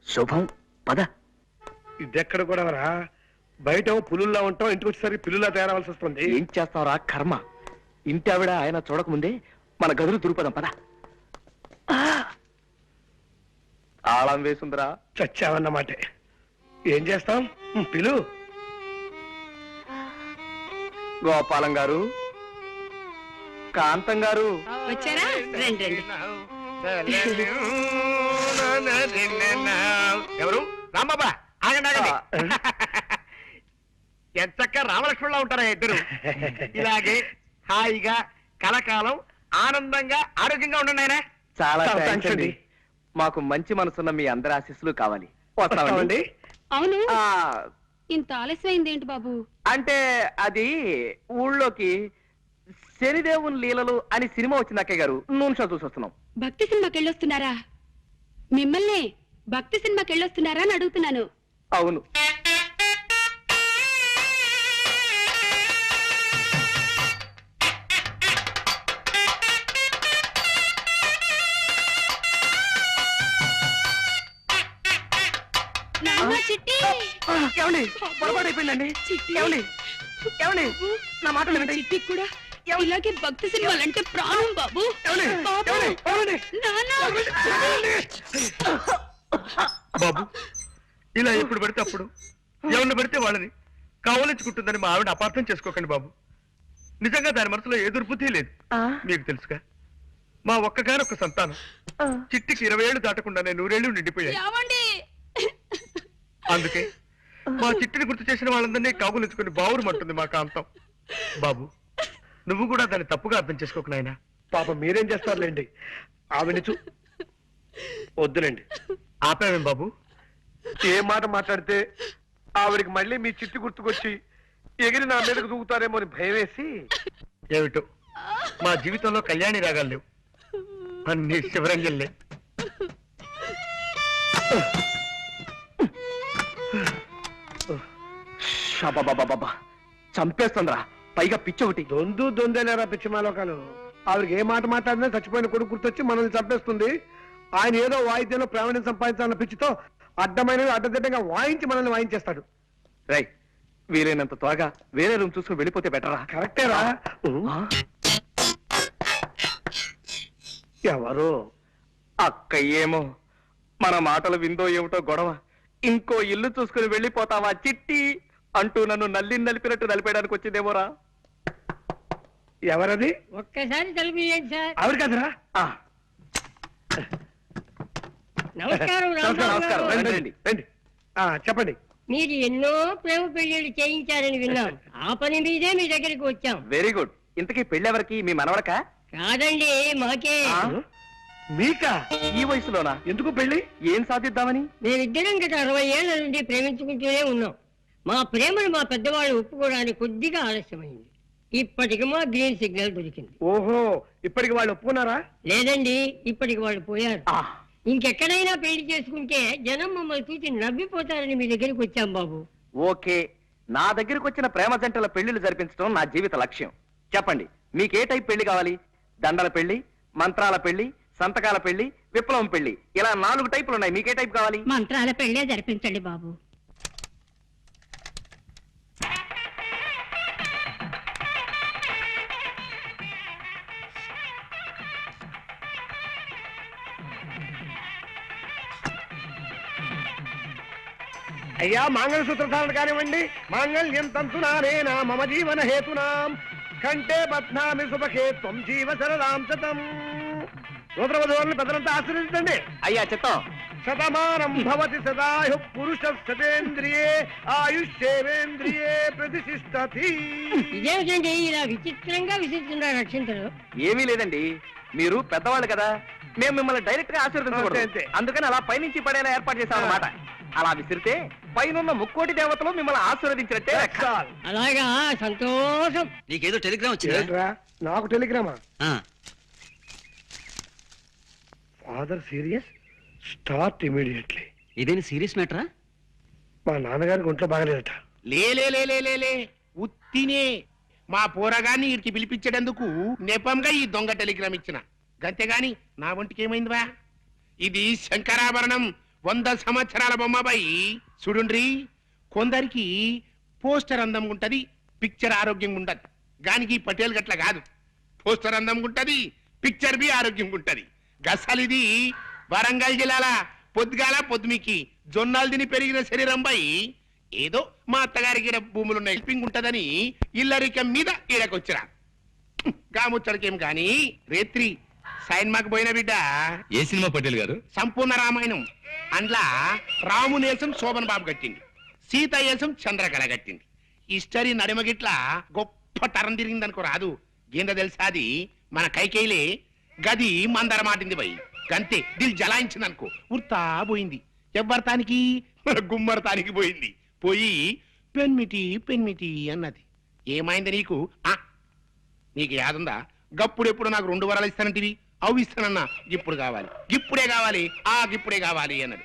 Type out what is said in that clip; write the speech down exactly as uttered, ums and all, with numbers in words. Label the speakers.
Speaker 1: శుభం పద.
Speaker 2: ఇదెక్కడ కూడా రా, బయట పులుల్లా ఉంటాం, ఇంటికి వచ్చేసరికి పిల్లులా తయారవలసి వస్తుంది.
Speaker 1: ఏం చేస్తావురా కర్మ. ఇంటి ఆవిడ ఆయన చూడకముందే మన గదులు దురుపదం పద. తాళం వేసుందిరా.
Speaker 2: చచ్చావన్నమాట. ఏం చేస్తాం, పిలు.
Speaker 1: గోపాలం గారు, కాంతం గారు
Speaker 3: వచ్చారా? రండి రండి.
Speaker 4: ఎవరు? రాంబాబా, ఆగండి ఆగండి. ఎంతక్క రామలక్ష్మణులా ఉంటారా ఇద్దరు. ఇలాగే హాయిగా కలకాలం ఆనందంగా ఆరోగ్యంగా ఉండండి ఆయన.
Speaker 1: చాలా థాంక్స్ అండి. మాకు మంచి మనసున్న మీ అందరి ఆశీస్సులు కావాలి. వస్తామండి.
Speaker 3: అవును,
Speaker 1: ఆ,
Speaker 3: ఇంత ఆలస్యమైంది ఏంటి బాబు?
Speaker 1: అంటే అది ఊళ్ళోకి శనిదేవుని లీలలు అని సినిమా వచ్చింది అక్కయ్య గారు, నూనె షో చూసి వస్తున్నాం.
Speaker 3: భక్తి సినిమాకి వెళ్ళొస్తున్నారా? మిమ్మల్ని భక్తి సినిమాకి వెళ్ళొస్తున్నారా అని అడుగుతున్నాను.
Speaker 1: అవును. ఏమండి, పొరపాటు అయిపోయిందండి. ఏమండి ఏమండి నా మాట వినండి.
Speaker 3: చిట్టి కూడా ఇలాగే భక్తి సినిమాలంటే ప్రాణం బాబు.
Speaker 4: బాబు, ఇలా ఎప్పుడు పడితే అప్పుడు ఎవరిని పడితే వాళ్ళని కావలించుకుంటుందని మా ఆవిడ అపార్థం చేసుకోకండి బాబు. నిజంగా దాని మనసులో ఏ దుర్బుద్ధి లేదు. మీకు తెలుసుగా, మా ఒక్కగానొక్క సంతానం చిట్టికి ఇరవై ఏళ్ళు దాటకుండానే నూరేళ్లు నిండిపోయాయి. అందుకే మా చిట్టిని గుర్తు చేసిన వాళ్ళందరినీ కాగులించుకుని బావురుమంటుంది మా కాంతం. బాబు, నువ్వు కూడా దాన్ని తప్పుగా అర్థం చేసుకోకు నాయనా.
Speaker 2: పాప మీరేం చేస్తారులేండి, ఆవిడ చూ వద్దులేండి.
Speaker 4: ఆపావేం బాబు?
Speaker 2: ఏ మాట మాట్లాడితే ఆవిడికి మళ్ళీ మీ చిట్టి గుర్తుకొచ్చి ఎగిరి నా మీదకు దూకుతారేమో అని భయం వేసి.
Speaker 4: ఏమిటో మా జీవితంలో కళ్యాణి రాగాలు లేవు, అన్ని శివరంజల్లే.
Speaker 1: బాబా చంపేస్తుందిరా, పైగా పిచ్చి ఒకటి.
Speaker 2: దొందు దొందేలేరా పిచ్చిమాలోకాలు. ఆవిడకి ఏ మాట మాట్లాడినా చచ్చిపోయిన కొడుకు గుర్తొచ్చి మనల్ని చంపేస్తుంది. ఆయన ఏదో వాయిద్యంలో ప్రావీణ్యం సంపాదించాలన్న పిచ్చితో అడ్డమైనవి అడ్డదిడ్డంగా వాయించి మనల్ని వాయించేస్తాడు.
Speaker 1: రై, వీలైనంత త్వరగా వేరే రూమ్ చూసుకుని వెళ్ళిపోతే బెటరా?
Speaker 2: కరెక్టేరా. ఎవరు?
Speaker 1: అక్క ఏమో మన మాటలు విందో ఏమిటో గొడవ. ఇంకో ఇల్లు చూసుకుని వెళ్ళిపోతావా చిట్టి అంటూ నన్ను నల్లి నలిపినట్టు నలిపేయడానికి వచ్చిందేమోరా.
Speaker 2: ఎవరది?
Speaker 5: ఒక్కసారి తలుపు సార్.
Speaker 2: ఆవిడ కదరా?
Speaker 5: నమస్కారం.
Speaker 1: నమస్కారం. రండి, రండి, రండి.
Speaker 2: చెప్పండి.
Speaker 5: మీరు ఎన్నో ప్రేమ పెళ్లిళ్ళు చేయించారని విన్నాం. ఆ పని మీదే మీ దగ్గరికి వచ్చాం.
Speaker 1: Very good. ఇంతకీ పెళ్ళెవరికి? మీ మనవడక?
Speaker 5: కాదండి, మాకే.
Speaker 2: మీకా?
Speaker 1: ఈ వయసులోనా?
Speaker 2: ఎందుకు పెళ్లి?
Speaker 1: ఏం సాధిద్దామని?
Speaker 5: మేమిద్దరం గత అరవై ఏళ్ల నుండి ప్రేమించుకుంటూనే ఉన్నాం. మా ప్రేమను మా పెద్దవాళ్ళు ఒప్పుకోవడానికి కొద్దిగా ఆలస్యమైంది. ఇప్పటికి మా గ్రీన్ సిగ్నల్ దొరికింది.
Speaker 2: ఓహో, ఇప్పటికి వాళ్ళు ఒప్పుకున్నారా?
Speaker 5: లేదండి, ఇప్పటికి వాళ్ళు పోయారు. ఇంకెక్కడైనా పెళ్లి చేసుకుంటే జనం మమ్మల్ని చూసి నవ్విపోతారని మీ దగ్గరికి వచ్చాం బాబు.
Speaker 1: ఓకే, నా దగ్గరకు వచ్చిన ప్రేమ జంటల పెళ్లిళ్ళు జరిపించడం నా జీవిత లక్ష్యం. చెప్పండి, మీకే టైప్ పెళ్లి కావాలి? దండల పెళ్లి, మంత్రాల పెళ్లి, సంతకాల పెళ్లి, విప్లవం పెళ్లి, ఇలా నాలుగు టైపులు ఉన్నాయి. మీకే టైప్ కావాలి?
Speaker 3: మంత్రాల పెళ్లే జరిపించండి బాబు.
Speaker 2: అయ్యా, మాంగళ్యసూత్ర ధారణ కానివ్వండి. మాంగళ్యం తంతునానేనా మమ జీవన హేతునాం కంటే బధ్నామి సుభకే త్వం జీవ సరదాం శతం. సూత్రవధువులను పెద్దలంతా ఆశీర్వదించండి.
Speaker 1: అయ్యా చిత్తం.
Speaker 2: శతమానం భవతి సదాయు పురుష శతేంద్రియే ఆయుష్యేవేంద్రియే ప్రతిష్ఠతి.
Speaker 5: ఇదేమిటండి ఇలా విచిత్రంగా విసిస్తున్నారు అక్షంతలు?
Speaker 1: ఏమీ లేదండి, మీరు పెద్దవాళ్ళు కదా, మేము మిమ్మల్ని డైరెక్ట్ గా ఆశీర్వదించకూడదు. అందుకని అలా పైనుంచి పడేలా ఏర్పాటు చేశాం అన్నమాట. అలా విసిరితే పైనున్న ముక్కోటి దేవతలు మిమ్మల్ని ఆశీర్వదించినట్టే.
Speaker 5: అలాగా, సంతోషం.
Speaker 6: నీకేదో టెలిగ్రామ్ వచ్చిందా?
Speaker 2: నాకు టెలిగ్రామా? Father serious, start immediately.
Speaker 6: ఇదేని సీరియస్ మ్యాటరా?
Speaker 2: మా నాన్నగారికి ఒంట్లో బాగలేదట.
Speaker 7: లేలే ఉత్తినే మా పోరగాన్ని ఇడికి పిలిపించేటందుకు నెపంగా ఈ దొంగ టెలిగ్రామ్ ఇచ్చిన. గంతేగాని నా ఒంటికి ఏమైందివా? ఇది శంకరాభరణం, వంద సంవత్సరాల బొమ్మబాయి చూడుండ్రి. కొందరికి పోస్టర్ అందం ఉంటది, పిక్చర్ ఆరోగ్యంగా ఉంటది. గానికి పటేల్ గట్ల కాదు. పోస్టర్ అందం ఉంటది, పిక్చర్ బి ఆరోగ్యంగా ఉంటది. గసలిది వరంగల్ జిల్లాల పొద్దుగాల పొద్దుమికి జొన్నాలు తిని పెరిగిన శరీరం పై ఏదో మా అత్తగారికి ఈడ భూములున్న హెల్పింగ్ ఉంటదని ఇల్లరికం మీద ఈడకొచ్చిరా. గాముచ్చడికేం గాని రేత్రి సైన్మాకు పోయిన బిడ్డ
Speaker 4: ఏ సినిమా పటేల్ గారు?
Speaker 7: సంపూర్ణ రామాయణం. అండ్లా రామునేసం శోభన్ బాబు కట్టింది, సీత ఏసం చంద్రకళ కట్టింది. హిస్టరీ నడిమగిట్ల గొప్ప తరం తిరిగిందనుకో రాదు. ఏందో తెలుసా అది మన కైకేయిలే గది మందర మాటింది పోయి గంతే దిల్ జలాయించింది అనుకో ఉర్తా పోయింది. ఎవ్వరతానికి మన గుమ్మరతానికి పోయింది. పోయి పెన్మిటి పెన్మిటి అన్నది. ఏమైంది నీకు? ఆ నీకు యాదుందా? గప్పుడెప్పుడు నాకు రెండు వరాలు ఇస్తానంటివి, అవి ఇస్తానన్నా ఇప్పుడు కావాలి, ఇప్పుడే కావాలి, ఆ ఇప్పుడే కావాలి అన్నది.